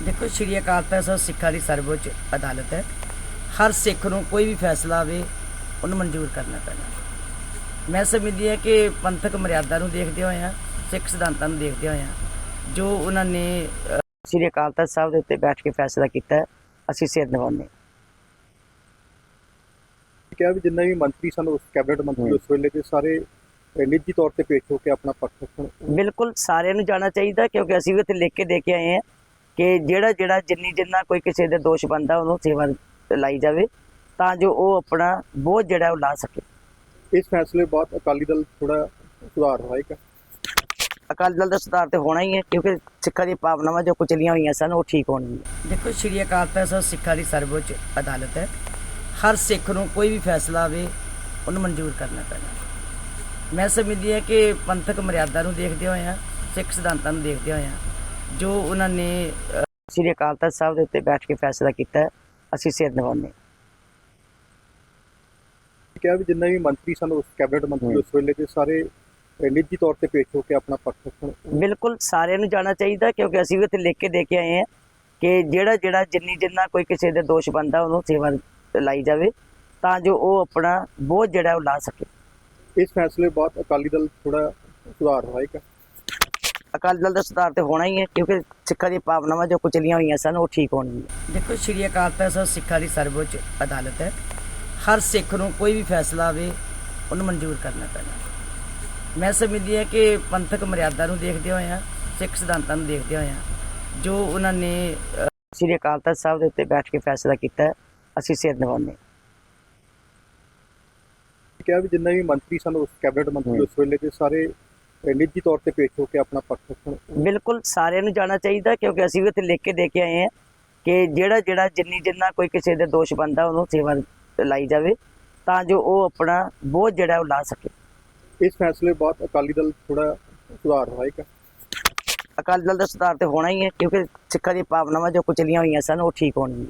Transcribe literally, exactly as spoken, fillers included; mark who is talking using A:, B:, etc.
A: देखो श्री अकाल तख्त ਸਾਹਿਬ ਸਿੱਖਾਂ ਦੀ ਸਰਵਉੱਚ ਅਦਾਲਤ ਹੈ। ਹਰ ਸਿੱਖ ਨੂੰ ਕੋਈ ਵੀ ਫੈਸਲਾ ਆਵੇ ਉਹਨੂੰ ਮਨਜ਼ੂਰ ਕਰਨਾ ਪੈਣਾ। ਮੈਂ ਸਮਝਦੀ ਹਾਂ ਕਿ ਪੰਥਕ ਮਰਿਆਦਾ ਨੂੰ ਦੇਖਦੇ ਹੋਏ ਆ, ਸਿੱਖ ਸਿਧਾਂਤਾਂ ਨੂੰ ਦੇਖਦੇ ਹੋਏ ਆ, ਜੋ ਉਹਨਾਂ ਨੇ श्री अकाल तख्त ਸਾਹਿਬ ਦੇ ਉੱਤੇ ਬੈਠ ਕੇ ਫੈਸਲਾ ਕੀਤਾ ਹੈ, ਅਸੀਂ ਸਿਰ ਨਿਵਾਉਂਦੇ ਹਾਂ।
B: ਕਿਹਾ ਵੀ ਜਿੰਨੇ ਵੀ ਮੰਤਰੀ ਸਨ ਉਸ ਕੈਬਨਿਟ ਮੰਤਰੀ ਉਸ ਵੇਲੇ ਦੇ ਸਾਰੇ ਨਿੱਜੀ ਤੌਰ ਤੇ ਪੇਸ਼ ਹੋ ਕੇ ਆਪਣਾ ਪੱਖ ਰੱਖਣ।
A: ਬਿਲਕੁਲ ਸਾਰਿਆਂ ਨੂੰ ਜਾਣਾ ਚਾਹੀਦਾ, ਕਿਉਂਕਿ ਅਸੀਂ ਵੀ ਉੱਥੇ ਲਿਖ ਕੇ ਦੇ ਕੇ ਆਏ ਹਾਂ ਕਿ ਜਿਹੜਾ ਜਿਹੜਾ ਜਿੰਨੀ ਜਿੰਨਾ ਕੋਈ ਕਿਸੇ ਦੇ ਦੋਸ਼ ਬਣਦਾ ਉਹਨੂੰ ਸੇਵਾ ਲਾਈ ਜਾਵੇ, ਤਾਂ ਜੋ ਉਹ ਆਪਣਾ ਬੋਝ ਜਿਹੜਾ ਉਹ ਲਾ ਸਕੇ।
B: ਇਸ ਫੈਸਲੇ ਬਾਅਦ ਅਕਾਲੀ ਦਲ ਥੋੜਾ ਸੁਧਾਰ ਹੋਏਗਾ।
A: ਅਕਾਲੀ ਦਲ ਦਾ ਸੁਧਾਰ ਤੇ ਹੋਣਾ ਹੀ ਹੈ, ਕਿਉਂਕਿ ਸਿੱਖਾਂ ਦੀਆਂ ਭਾਵਨਾਵਾਂ ਜੋ ਕੁਚਲੀਆਂ ਹੋਈਆਂ ਸਨ ਉਹ ਠੀਕ ਹੋਣਗੀਆਂ। ਦੇਖੋ ਸ਼੍ਰੀ ਅਕਾਲ ਤਖਤ ਸਾਹਿਬ ਸਿੱਖਾਂ ਦੀ ਸਰਵਉੱਚ ਅਦਾਲਤ ਹੈ। ਹਰ ਸਿੱਖ ਨੂੰ ਕੋਈ ਵੀ ਫੈਸਲਾ ਆਵੇ ਉਹਨੂੰ ਮਨਜ਼ੂਰ ਕਰਨਾ ਪੈਣਾ। ਮੈਂ ਸਮਝਦੀ ਹਾਂ ਕਿ ਪੰਥਕ ਮਰਿਆਦਾ ਨੂੰ ਦੇਖਦੇ ਹੋਏ ਆ, ਸਿੱਖ ਸਿਧਾਂਤਾਂ ਨੂੰ ਦੇਖਦੇ ਹੋਏ ਆ, ਜੋ ਉਹਨਾਂ ਨੇ ਸ਼੍ਰੀ ਅਕਾਲ ਤਖਤ ਸਾਹਿਬ ਦੇ ਉੱਤੇ ਬੈਠ ਕੇ ਫੈਸਲਾ ਕੀਤਾ ਹੈ, ਅਸੀਂ ਸਿਰ ਨਿਵਾਉਂਦੇ ਹਾਂ।
B: ਕਿਹਾ ਵੀ ਜਿੰਨੇ ਵੀ ਮੰਤਰੀ ਸਨ ਉਸ ਕੈਬਨਿਟ ਮੰਤਰੀ ਉਸ ਵੇਲੇ ਦੇ ਸਾਰੇ ਨਿੱਜੀ ਤੌਰ ਤੇ ਪੇਸ਼ ਹੋ ਕੇ ਆਪਣਾ ਪੱਖ ਰੱਖਣ।
A: ਬਿਲਕੁਲ ਸਾਰਿਆਂ ਨੂੰ ਜਾਣਾ ਚਾਹੀਦਾ, ਕਿਉਂਕਿ ਅਸੀਂ ਵੀ ਉੱਥੇ ਲਿਖ ਕੇ ਦੇ ਕੇ ਆਏ ਹਾਂ ਕਿ ਜਿਹੜਾ ਜਿਹੜਾ ਜਿੰਨੀ ਜਿੰਨਾ ਕੋਈ ਕਿਸੇ ਦੇ ਦੋਸ਼ ਬਣਦਾ ਉਹਨੂੰ ਸੇਵਾ ਲਾਈ ਜਾਵੇ, ਤਾਂ ਜੋ ਉਹ ਆਪਣਾ ਬੋਝ ਜਿਹੜਾ ਉਹ ਲਾ ਸਕੇ।
B: ਇਸ ਫੈਸਲੇ ਬਾਅਦ ਅਕਾਲੀ ਦਲ ਥੋੜਾ ਸੁਧਾਰ ਹੋਏਗਾ।
A: ਅਕਾਲੀ ਦਲ ਦਾ ਸੁਧਾਰ ਤੇ ਹੋਣਾ ਹੀ ਹੈ, ਕਿਉਂਕਿ ਸਿੱਖਾਂ ਦੀਆਂ ਭਾਵਨਾਵਾਂ ਜੋ ਕੁਚਲੀਆਂ ਹੋਈਆਂ ਸਨ ਉਹ ਠੀਕ ਹੋਣਗੀਆਂ। ਦੇਖੋ ਸ਼੍ਰੀ ਅਕਾਲ ਤਖਤ ਸਾਹਿਬ ਸਿੱਖਾਂ ਦੀ ਸਰਵਉੱਚ ਅਦਾਲਤ ਹੈ। ਹਰ ਸਿੱਖ ਨੂੰ ਕੋਈ ਵੀ ਫੈਸਲਾ ਆਵੇ ਉਹਨੂੰ ਮਨਜ਼ੂਰ ਕਰਨਾ ਪੈਣਾ। ਮੈਂ ਸਮਝਦੀ ਹਾਂ ਕਿ ਪੰਥਕ ਮਰਿਆਦਾ ਨੂੰ ਦੇਖਦੇ ਹੋਏ ਆ, ਸਿੱਖ ਸਿਧਾਂਤਾਂ ਨੂੰ ਦੇਖਦੇ ਹੋਏ ਆ, ਜੋ ਉਹਨਾਂ ਨੇ ਸ਼੍ਰੀ ਅਕਾਲ ਤਖਤ ਸਾਹਿਬ ਦੇ ਉੱਤੇ ਬੈਠ ਕੇ ਫੈਸਲਾ ਕੀਤਾ ਹੈ, ਅਸੀਂ ਸਿਰ ਨਿਵਾਉਂਦੇ ਹਾਂ।
B: ਕਿਹਾ ਵੀ ਜਿੰਨੇ ਵੀ ਮੰਤਰੀ ਸਨ ਉਸ ਕੈਬਨਿਟ ਮੰਤਰੀ ਉਸ ਵੇਲੇ ਦੇ ਸਾਰੇ ਨਿੱਜੀ ਤੌਰ ਤੇ ਪੇਸ਼ ਹੋ ਕੇ ਆਪਣਾ ਪੱਖ ਰੱਖਣ।
A: ਬਿਲਕੁਲ ਸਾਰਿਆਂ ਨੂੰ ਜਾਣਾ ਚਾਹੀਦਾ, ਕਿਉਂਕਿ ਅਸੀਂ ਵੀ ਉੱਥੇ ਲਿਖ ਕੇ ਦੇ ਕੇ ਆਏ ਹਾਂ ਕਿ ਜਿਹੜਾ ਜਿਹੜਾ ਜਿੰਨੀ ਜਿੰਨਾ ਕੋਈ ਕਿਸੇ ਦੇ ਦੋਸ਼ ਬਣਦਾ ਉਹਨੂੰ ਸੇਵਾ ਲਾਈ ਜਾਵੇ, ਤਾਂ ਜੋ ਉਹ ਆਪਣਾ ਬੋਝ ਜਿਹੜਾ ਉਹ ਲਾ ਸਕੇ।
B: ਇਸ ਫੈਸਲੇ ਬਾਅਦ ਅਕਾਲੀ ਦਲ ਥੋੜਾ ਸੁਧਾਰ ਹੋਏਗਾ।
A: ਅਕਾਲੀ ਦਲ ਦਾ ਸੁਧਾਰ ਤੇ ਹੋਣਾ ਹੀ ਹੈ, ਕਿਉਂਕਿ ਸਿੱਖਾਂ ਦੀਆਂ ਭਾਵਨਾਵਾਂ ਜੋ ਕੁਚਲੀਆਂ ਹੋਈਆਂ ਸਨ ਉਹ ਠੀਕ ਹੋਣਗੀਆਂ।